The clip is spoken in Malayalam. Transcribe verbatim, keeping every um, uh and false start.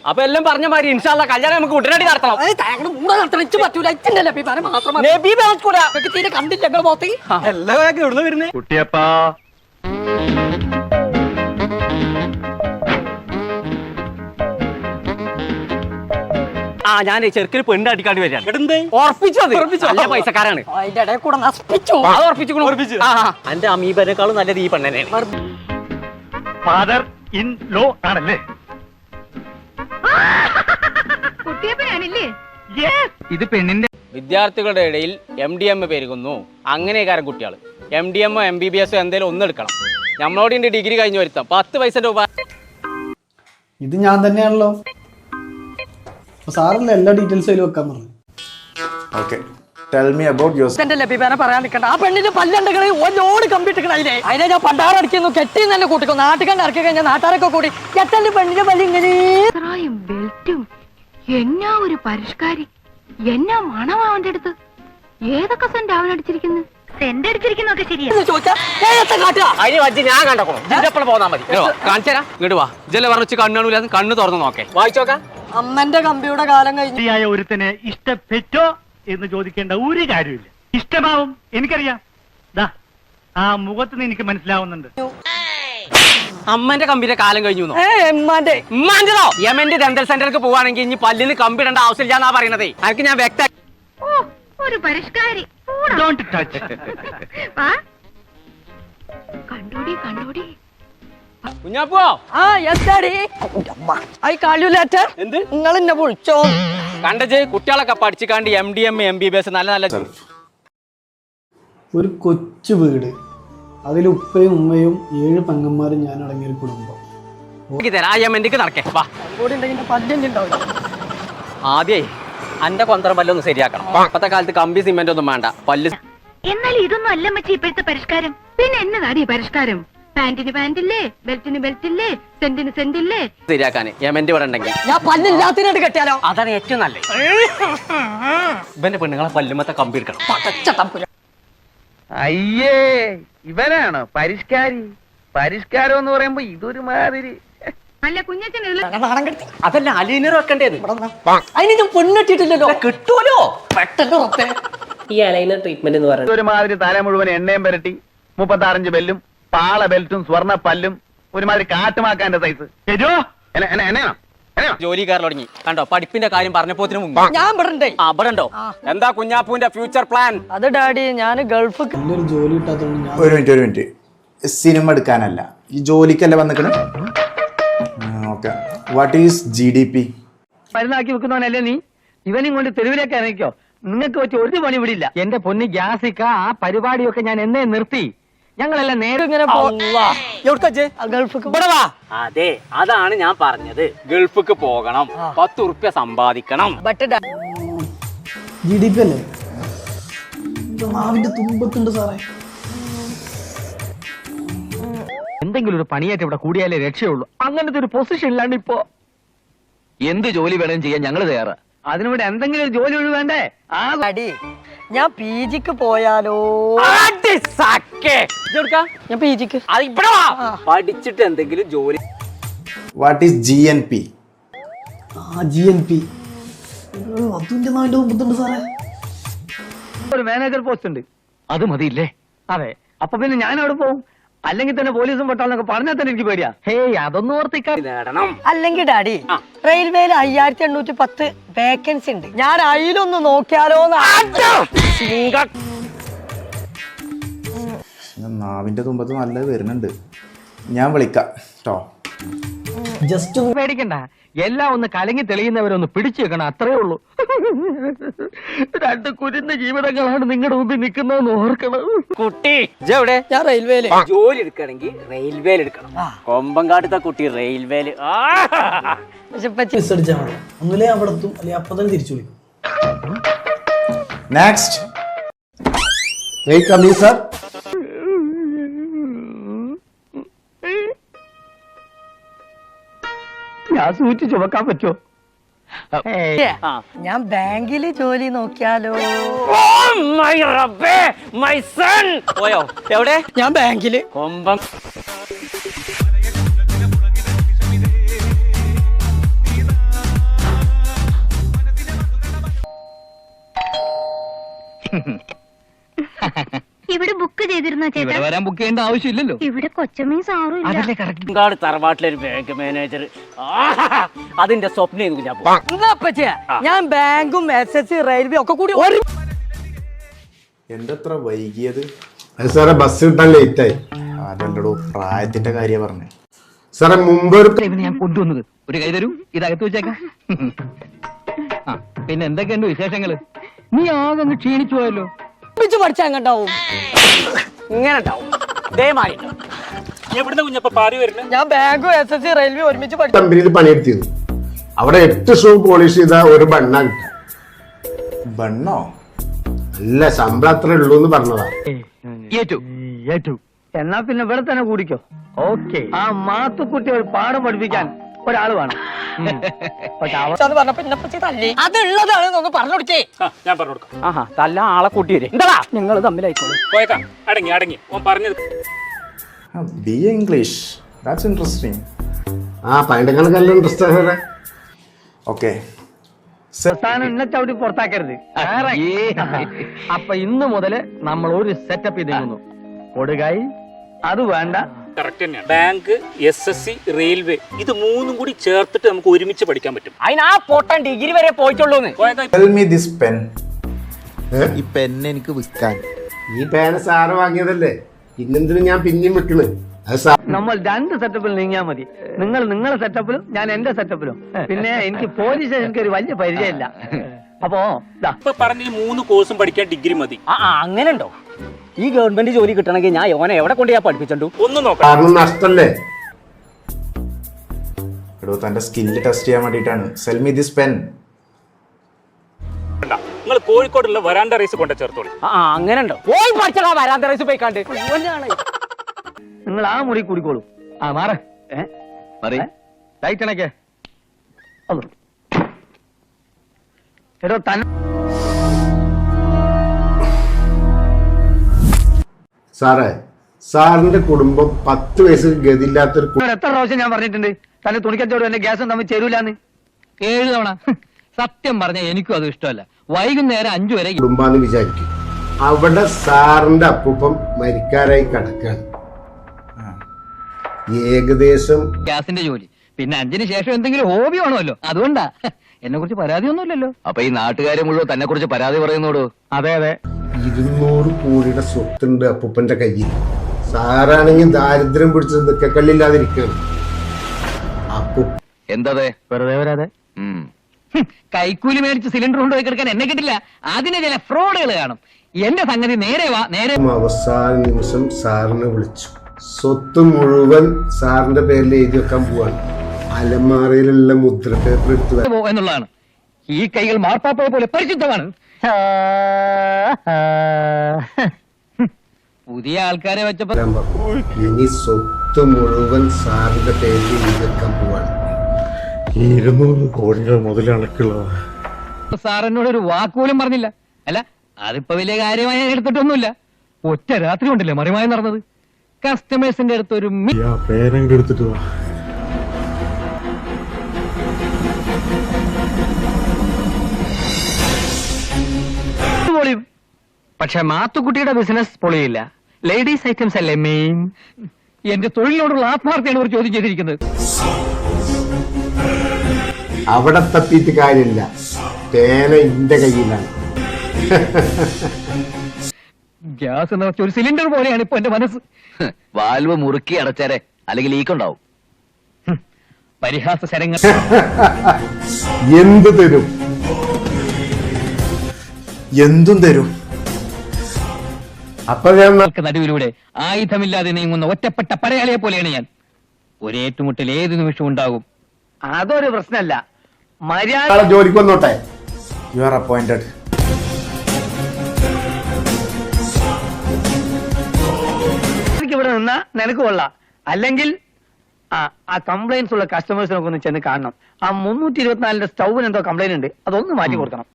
അപ്പൊ എല്ലാം പറഞ്ഞ മാതിരി ഇൻഷാല്ലാ കല്യാണം നമുക്ക് ഉടനടി നടത്തണം. തീരെ കണ്ടില്ല എല്ലാം എവിടുന്ന് വരുന്നേ കുട്ടിയപ്പാ ആ ഞാൻ ചെറുക്കിന് പെണ്ണ് അടിക്കാണ്ട് വരികയാണ്. ഉറപ്പിച്ചു നല്ല പൈസക്കാരാണ്. അതിന്റെ ഇടയിൽ കൂടെ നശിപ്പിച്ചു. അത് ഉറപ്പിച്ചു. എന്റെ അമീബനേക്കാളും നല്ലത് ഈ പെണ്ണനെയാണ്. ഫാദർ ഇൻ ലോ ആണല്ലേ? ഇത് പെണ്ണിന്റെ വിദ്യാർത്ഥികളുടെ ഇടയിൽ എം ഡി എം പെരുകുന്നു. അങ്ങനെയൊക്കെ കുട്ടികൾ എം ഡി എമ്മോ എം ബി ബി എസോ എന്തെങ്കിലും ഒന്നും എടുക്കണം. നമ്മളോട് ഇന്റെ ഡിഗ്രി കഴിഞ്ഞ് വരുത്താം പത്ത് പൈസ രൂപ. ഇത് ഞാൻ തന്നെയാണല്ലോ. സാറല്ലേ എല്ലാ ഡീറ്റെയിൽസും അതിൽ വെക്കാൻ പറഞ്ഞു. Okay tell me about your എന്റെ ലഭ്യത പറയാൻ നിൽക്കണ്ട. ആ പെണ്ണിന്റെ പല്ലണ്ടകളെ ഒന്നോട് കമ്പിട്ടിക്കണം. അതിനെ അതിനെ ഞാൻ പണ്ടാറടിക്കുന്നു കെട്ടി തന്നെ കൂട്ടിക്കും. നാട്ടുകാണ്ട് ഇറക്കി കഴിഞ്ഞാൽ നാട്ടുകാരൊക്കെ കൂടി എട്ടന്റെ പെണ്ണിന്റെ പല്ല് ഇങ്ങനെ ബെൽറ്റും എന്നാ ഒരു പരിഷ്കാരി, എന്നാ മണമാ അവന്റെ അടുത്ത്. ഏതൊക്കെ സെന്റ് അവൻ അടിച്ചിരിക്കുന്നു? സെന്റ് അടിച്ചിരിക്കുന്നൊക്കെ ശരിയാ ചോദിച്ചാ അതിന് വജ്ജി ഞാൻ കണ്ടോ ഇതിന്റെ പോന്നാ മതി. കാണിച്ചാ ഇങ്ങോട്ട് വാ. ഇജല്ലേ പറഞ്ഞു കണ്ണാണൂല കണ്ണ് തുറന്നു നോക്കേ വായിച്ചോക്കാം. അമ്മന്റെ കമ്പിയുടെ കാലം കഴിഞ്ഞു. ഒരുത്തനെ ഇഷ്ടപ്പെട്ടോ എന്ന് ചോദിക്കേണ്ട ഒരു കാര്യമില്ല. ഇഷ്ടമാവും എനിക്കറിയാം. ദാ ആ മുഖത്ത് എനിക്ക് മനസ്സിലാവുന്നുണ്ട്. അമ്മന്റെ കമ്പിന്റെ കാലം കഴിഞ്ഞു. എമ്മാന്റെതോ യമന്റെ ഡെന്റൽ സെന്ററിലേക്ക് പോവാണെങ്കിൽ ഇനി പല്ലിന് കമ്പിടേണ്ട ആവശ്യമില്ല എന്നാ പറയണതേ. അതൊക്കെ ഞാൻ വ്യക്ത ഒരു പരിഷ്കാരി. കണ്ടോടി കണ്ടോടി കുഞ്ഞാപ്പോ. ആ എന്താടി ഐ കാൾ യു ലേറ്റർ. എന്ത് നിങ്ങൾ എന്നെ വിളിച്ചോ? കണ്ടജ് കുട്ടികളൊക്കെ പഠിച്ചിക്കാണ്ട് M D M M B B S നല്ല നല്ല ഒരു കൊച്ചു വീട്, അതിൽ ഉപ്പയും ഉമ്മയും ഏഴ് പെങ്ങന്മാരും ഞാൻ അടങ്ങിയൊരു കുടുംബം. തരാം. ആ യമന്റെക്ക് നടക്കേ വാ. കൂടി ഉണ്ടെങ്കിൽ പല്ലിന്റെ ഉണ്ടാവില്ല. ആദ്യേ അന്റെ കൊന്തറ പല്ലൊന്ന് ശരിയാക്കണം. ഇപ്പത്തെ കാലത്ത് കമ്പി സിമെന്റ് ഒന്നും വേണ്ട. പല്ല് എന്നാൽ ഇതൊന്നും അല്ല മച്ചി ഇപ്പോഴത്തെ പരിഷ്കാരം. പിന്നെ എന്നതാടി പരിഷ്കാരം? പാന്റിന് പാന്റില്ലേ, ബെൽറ്റിന് ബെൽറ്റില്ലേ, സെന്റിന് സെന്റില്ലേ ശരിയാക്കാന് യമന്റെ ഇവിടെ ഉണ്ടെങ്കിൽ ഞാൻ പല്ലില്ലാത്തിനോട് കെട്ടിയാലോ? അതാണ് ഏറ്റവും നല്ലത്. ഇവന്റെ പെണ്ണുങ്ങളെ പല്ലുമത്തെ കമ്പി എടുക്കണം. അയ്യേ ഇവനാണോ പരിഷ്കാരി? പരിഷ്കാരം എന്ന് പറയുമ്പോ ഇതൊരു മാതിരി. അല്ല കുഞ്ഞച്ചൻ അതല്ല അലീനർ വെക്കേണ്ടത്. അതിന് ഞാൻ പെണ്ണിട്ടിട്ടില്ലല്ലോ. കിട്ടുമല്ലോ പെട്ടെന്ന് ഉറപ്പേ. ഈ അലൈനർ ട്രീറ്റ്മെന്റ് എന്ന് പറയുന്നത് ഒരുമാതിരി തല മുഴുവൻ എണ്ണയും പുരട്ടി മുപ്പത്താറഞ്ച് ബെല്ലും പാള ബെൽറ്റും സ്വർണ്ണ പല്ലും ഒരുമാതിരി കാട്ടുമാക്കാന്റെ സൈസ്. ജോലിക്കാരിൽ തുടങ്ങി കണ്ടോ. പഠിപ്പിന്റെ കാര്യം പറഞ്ഞപ്പോത്തിന് മുമ്പ് ഞാൻ ഇവിടെ അവിടെ ഉണ്ടോ? എന്താ കുഞ്ഞാപ്പൂന്റെ ഫ്യൂച്ചർ പ്ലാൻ? അത് ഡാഡി ഞാൻ ഗൾഫ് നല്ലൊരു ജോലി കിട്ടാത്തതുകൊണ്ട് ഞാൻ ഒരു മിനിറ്റ് ഒരു മിനിറ്റ് സിനിമ എടുക്കാനല്ല, ഈ ജോലിക്കല്ല വന്നിക്കണേ. Okay what is G D P? മരുന്നാക്കി വെക്കുന്നവനല്ലേ നീ? ഇവനും കൊണ്ട് തെരുവിലേക്ക് ഇറങ്ങിക്കോ. നിങ്ങൾക്ക് വെച്ച് ഒരു പണി വിടില്ല. എന്റെ പൊന്നി ഗ്യാസിക്ക ആ പരിപാടിയൊക്കെ ഞാൻ എന്നേ നിർത്തി. ഞങ്ങളെല്ലാം നേരെ ഇങ്ങനെ അതെ അതാണ് ഞാൻ പറഞ്ഞത്. ഗൾഫിക്ക് പോകണം, പത്ത് ഉറുപ്യ സമ്പാദിക്കണം. ജി ഡി പി അല്ലേ? നാവിന്റെ തുമ്പത്തുണ്ട് സാറേ. എന്തെങ്കിലും ഒരു പണിയായിട്ട് ഇവിടെ കൂടിയാലേ രക്ഷയുള്ളൂ. അങ്ങനത്തെ ഒരു പൊസിഷൻ ഇല്ലാണ്ട് ഇപ്പോ എന്ത് ജോലി വേണം ചെയ്യാൻ ഞങ്ങൾ തയ്യാറാ. അതിനിവിടെ എന്തെങ്കിലും ഒരു ജോലി ഒഴി വേണ്ടേ? ഡാഡി ഞാൻ പി ജിക്ക് പോയാലോ? ഞാൻ പി ജിക്ക് പഠിച്ചിട്ട് എന്തെങ്കിലും ജോലി. What is G N P? ആ ജി എൻ പി അതിന്റെ നാവിന്റെ തുമ്പത്തുണ്ട് സാറേ. ഒരു മാനേജർ പോസ്റ്റ് ഉണ്ട്. അത് മതിയില്ലേ? അതെ. അപ്പൊ പിന്നെ ഞാൻ അവിടെ പോകും. അല്ലെങ്കിൽ തന്നെ പോലീസും പെട്ടാളൊക്കെ പറഞ്ഞാൽ തന്നെ എനിക്ക് പേടിയാ. ഹേയ് അതൊന്നും ഓർത്തിക്കാൻ നേടണം. അല്ലെങ്കിൽ ഡാഡി റെയിൽവേയിൽ അയ്യായിരത്തി എണ്ണൂറ്റി പത്ത് വേക്കൻസി ഉണ്ട്. ഞാൻ അതിലൊന്ന് നോക്കിയാലോ? നാവിന്റെ തുമ്പത്ത് നല്ലത് വരുന്നുണ്ട്. ഞാൻ വിളിക്കാം കേട്ടോ. ജസ്റ്റ് ഒന്ന് പേടിക്കണ്ട. എല്ലാം ഒന്ന് കലങ്ങി തെളിയുന്നവരൊന്ന് പിടിച്ചു വെക്കണം, അത്രേ ഉള്ളൂ. രണ്ട് കുരുന്ന ജീവിതങ്ങളാണ് നിങ്ങളുടെ മുമ്പിൽ നിൽക്കുന്നതെന്ന് ഓർക്കണം. കുട്ടി എവിടെ? ഞാൻ റെയിൽവേയില് ജോലി എടുക്കണമെങ്കിൽ റെയിൽവേയിൽ എടുക്കണം. കൊമ്പങ്കാട്ടത്തെ കുട്ടി റെയിൽവേയില് മിസ് അടിച്ചാൽ മതി. ഒന്നുമില്ലേ അവിടെ എത്തും, അല്ലെങ്കിൽ അപ്പൊ തന്നെ തിരിച്ചു വിളിക്കും. Next wait sir. ഞാൻ സൂചിച്ച് ചുമക്കാൻ പറ്റുമോ? ഞാൻ ബാങ്കില് ജോലി നോക്കിയാലോ? പോയോ? എവിടെ? ഞാൻ ബാങ്കില്. കൊമ്പം ഇവിടെ ബുക്ക് ചെയ്തിരുന്നോ ചേട്ടാ? വരാൻ ബുക്ക് ചെയ്യേണ്ട ആവശ്യമില്ലല്ലോ. ഇവിടെ കൊച്ചമ്മയും സാറും ഇല്ല. അതല്ലേ കറക്റ്റ്. ബംഗാൾ തറവാട്ടിലൊരു ബാങ്ക് മാനേജർ, അതിന്റെ സ്വപ്നം ഞാൻ പോ എന്താ പറ്റിയ ഞാൻ ബാങ്കും എസ് എസ് സി റെയിൽവേ ഒക്കെ കൂടി ഒരു എന്തെത്ര വൈകിയത്? അത് സാറേ ബസ് കിട്ടാൻ ലേറ്റ് ആയി. അതല്ലടോ, പ്രായത്തിന്റെ കാര്യം പറഞ്ഞേ. സാറേ മുമ്പ് ഒരു ഇവന് ഞാൻ കൊണ്ടുവന്നത് ഒരു കൈ തരൂ, ഇതകത്ത് വെച്ചേക്കാം. ആ പിന്നെ എന്തൊക്കെയുണ്ട് വിശേഷങ്ങള്? നീ ആകെ അങ്ങ് ക്ഷീണിച്ചു പോയല്ലോ. പഠിച്ചാ എങ്ങണ്ടാവും ഇങ്ങനെ ഉണ്ടാവും ഇതേമാതിരി. എവിടുന്ന കുഞ്ഞപ്പ പാറി വരുന്നത്? ഞാൻ ബാങ്കും എസ് എസ് സി റെയിൽവേ ഒരുമിച്ച് പഠിച്ചു. കമ്പനിയിൽ പണിയെടുത്തിരുന്നു. അവിടെ എട്ട് ഷൂ പോളിഷ് ചെയ്ത ഒരു ബണ്ണ കിട്ടാം. ബണ്ണോ? നല്ല ശമ്പളം അത്ര ഉള്ളൂ എന്ന് പറഞ്ഞതാ. ഏറ്റു ഏറ്റു എന്നാ പിന്നെ ഇവിടെ തന്നെ കൂടിക്കോ. ഓക്കെ. ആ മാത്തുക്കുട്ടി ഒരു പാഠം പഠിപ്പിക്കാൻ ഒരാള് വേണം. പക്ഷെ അവ അത് പറഞ്ഞപ്പോ എന്നെ പറ്റി തല്ലി. അതുള്ളതാണ് ഒന്ന് പറഞ്ഞു കൊടുക്കേ. ഞാൻ പറഞ്ഞു കൊടുക്കാം. ആഹാ തല്ല ആളെ കൂട്ടി വരും. എന്താ നിങ്ങൾ തമ്മിലായിക്കോളൂ. പോയേക്കാം. അടങ്ങി അടങ്ങി ഓൻ പറഞ്ഞത്. B A English, that's interesting. ആ പതിനെട്ട് ഇൻട്രസ്റ്റ് സാറേ. ഓക്കെ. സ്ഥാനം എന്നെ ചവിട്ടി പുറത്താക്കരുത്. അപ്പൊ ഇന്ന് മുതല് നമ്മൾ ഒരു സെറ്റപ്പ് ചെയ്തിരുന്നു. കൊടുകായി അത് വേണ്ട. കറക്റ്റ് തന്നെയാണ്. Bank, S S C, railway, ഇത് മൂന്നും കൂടി ചേർത്തിട്ട് നമുക്ക് ഒരുമിച്ച് പഠിക്കാൻ പറ്റും. അതിന് ആ പൊട്ടൻ ഡിഗ്രി വരെ പോയിട്ടുള്ളൂന്ന്. Tell me this pen. ഈ പെൻ എനിക്ക് വിൽക്കാൻ. ഈ പേന സാറ് വാങ്ങിയതല്ലേ, പിന്നെന്തിനും ഞാൻ പിന്നെയും വെക്കണ്. അത് സാർ നമ്മൾ രണ്ട് സെറ്റപ്പിൽ നീങ്ങിയാൽ മതി. നിങ്ങൾ നിങ്ങളുടെ സെറ്റപ്പിലും ഞാൻ എന്റെ സെറ്റപ്പിലും. പിന്നെ എനിക്ക് പോലീസ് എനിക്ക് ഒരു വലിയ പരിചയമില്ല. അപ്പോ ഇപ്പൊ പറഞ്ഞ ഈ മൂന്ന് കോഴ്സും പഠിക്കാൻ ഡിഗ്രി മതി. ആ ആ, അങ്ങനെ ഉണ്ടോ? ഈ ഗവൺമെന്റ് ജോലി കിട്ടണമെങ്കിൽ ഞാൻ ഓനെ എവിടെ കൊണ്ട് ഞാൻ പഠിപ്പിച്ചു? ഒന്നും നോക്കാം. കാരണം നഷ്ടല്ലേ. എടോ, തന്റെ സ്കില്ല് ടെസ്റ്റ് ചെയ്യാൻ വേണ്ടിയിട്ടാണ്. Sell me this pen. നിങ്ങൾ കോഴിക്കോടുള്ള വരാണ്ട റൈസ് കൊണ്ട ചേർത്തോളൂ. ആ ആ, അങ്ങനെ ഉണ്ടോ? പോയി പഠിച്ചാ വരാൻ റൈസ് പോയിക്കാണ്ട്. നിങ്ങൾ ആ മുറി കൂടിക്കോളൂ. ആ മാറ ലൈറ്റ് അണക്കേ. എടോ തന്നെ സാറേ, സാറിന്റെ കുടുംബം പത്ത് വയസ്സ് ഗതിയില്ലാത്തൊരു കു- എത്ര പ്രാവശ്യം ഞാൻ പറഞ്ഞിട്ടുണ്ട് തന്നെ തുണിക്കച്ചവടം എന്റെ ഗ്യാസും തമ്മിൽ ചേരൂലെന്ന്. ഏഴ് തവണ. സത്യം പറഞ്ഞ എനിക്കും അത് ഇഷ്ടമല്ല. വൈകുന്നേരം അഞ്ചു വരെ കുടുംബാന്ന് വിചാരിക്കും. അവിടെ സാറിന്റെ അപ്പൂപ്പം മരിക്കാരായി കിടക്കാണ്. ഏകദേശം ഗ്യാസിന്റെ ജോലി. പിന്നെ അഞ്ചിന് ശേഷം എന്തെങ്കിലും ഹോബി വേണമല്ലോ. അതുകൊണ്ടാ. എന്നെ കുറിച്ച് പരാതിയൊന്നുമില്ലല്ലോ. അപ്പൊ ഈ നാട്ടുകാരെ മുഴുവൻ തന്നെ കുറിച്ച് പരാതി പറയുന്നോടോ? അതെ അതെ. ഇരുന്നൂറ് കോടിയുടെ സ്വത്തുണ്ട് അപ്പൂപ്പന്റെ കയ്യിൽ. സാറാണെങ്കിൽ ദാരിദ്ര്യം പിടിച്ചത് നിക്കക്കല്ലില്ലാതിരിക്കുകയാണ്. അപ്പു എന്തതെ വെറുതെ വരാതെ. കൈക്കൂലി മേടിച്ച് സിലിണ്ടർ കൊണ്ടുപോയി കിടക്കാൻ എന്നെ കിട്ടില്ല. അതിന് ചില ഫ്രോഡുകൾ കാണും. എന്റെ സംഗതി നേരെ വാ നേരെ. അവസാന നിമിഷം സാറിനെ വിളിച്ചു. സ്വത്ത് മുഴുവൻ സാറിന്റെ പേരിൽ എഴുതി വെക്കാൻ പോവാണ്. അലമാറയിലുള്ള മുദ്ര പേപ്പർ എടുത്തു പോ എന്നുള്ളതാണ്. ഈ കൈകൾ മാർപ്പാപ്പയെ പോലെ പരിശുദ്ധമാണ്. പുതിയ ആൾക്കാരെ വെച്ചപ്പോ വരാൻ പറഞ്ഞു. ഇനി സ്വത്ത് മുഴുവൻ സാറിന്റെ പേരിൽ എഴുതി വെക്കാൻ പോവാണ്. ഇരുന്നൂറ് കോടികൾ മുതലടക്കുള്ള സാറിനോട് ഒരു വാക്കുപോലും പറഞ്ഞില്ല. അല്ല അതിപ്പോ വലിയ കാര്യമായി എടുത്തിട്ടൊന്നുമില്ല. ഒറ്റ രാത്രി കൊണ്ടല്ലേ മറിമായി നടന്നത്. കസ്റ്റമേഴ്സിന്റെ അടുത്ത് ഒരു പേരെങ്കിലും എടുത്തിട്ട് വാ. പൊളിയും. പക്ഷെ മാത്തുക്കുട്ടിയുടെ ബിസിനസ് പൊളിയില്ല. ലേഡീസ് ഐറ്റംസ് അല്ലേ മെയിൻ. എന്റെ തൊഴിലിനോടുള്ള ആത്മാർത്ഥയാണ് ഒരു ചോദ്യം ചെയ്തിരിക്കുന്നത്. അവിടെ തപ്പിയിട്ട് കാര്യമില്ല. പേന ഇന്റെ കയ്യിലാണ്. ഗ്യാസ് എന്ന് വെച്ച ഒരു സിലിണ്ടർ പോലെയാണ് ഇപ്പൊ എന്റെ മനസ്സ്. വാൽവ് മുറുക്കി അടച്ചാരെ, അല്ലെങ്കിൽ ലീക്ക് ഉണ്ടാവും. പരിഹാസ ശരങ്ങൾ. എന്ത് തരും? എന്തും തരും. അപ്പൊ ഞാൻ നടുവിലൂടെ ആയുധമില്ലാതെ നീങ്ങുന്ന ഒറ്റപ്പെട്ട പടയാളിയെ പോലെയാണ് ഞാൻ. ഒരേറ്റുമുട്ടൽ ഏത് നിമിഷവും ഉണ്ടാകും. അതൊരു പ്രശ്നമല്ല. മര്യാദ ജോലിക്ക് വന്നോട്ടെ. You are appointed. ഇവിടെ നിന്നാ നിനക്ക് കൊള്ളാം. അല്ലെങ്കിൽ ആ ആ കംപ്ലൈൻസ് ഉള്ള കസ്റ്റമേഴ്സിനൊക്കെ ഒന്ന് ചെന്ന് കാണണം. ആ മുന്നൂറ്റി ഇരുപത്തിനാലിന്റെ സ്റ്റൗവിന് എന്തോ കംപ്ലൈന്റ് ഉണ്ട്. അതൊന്ന് മാറ്റി കൊടുക്കണം.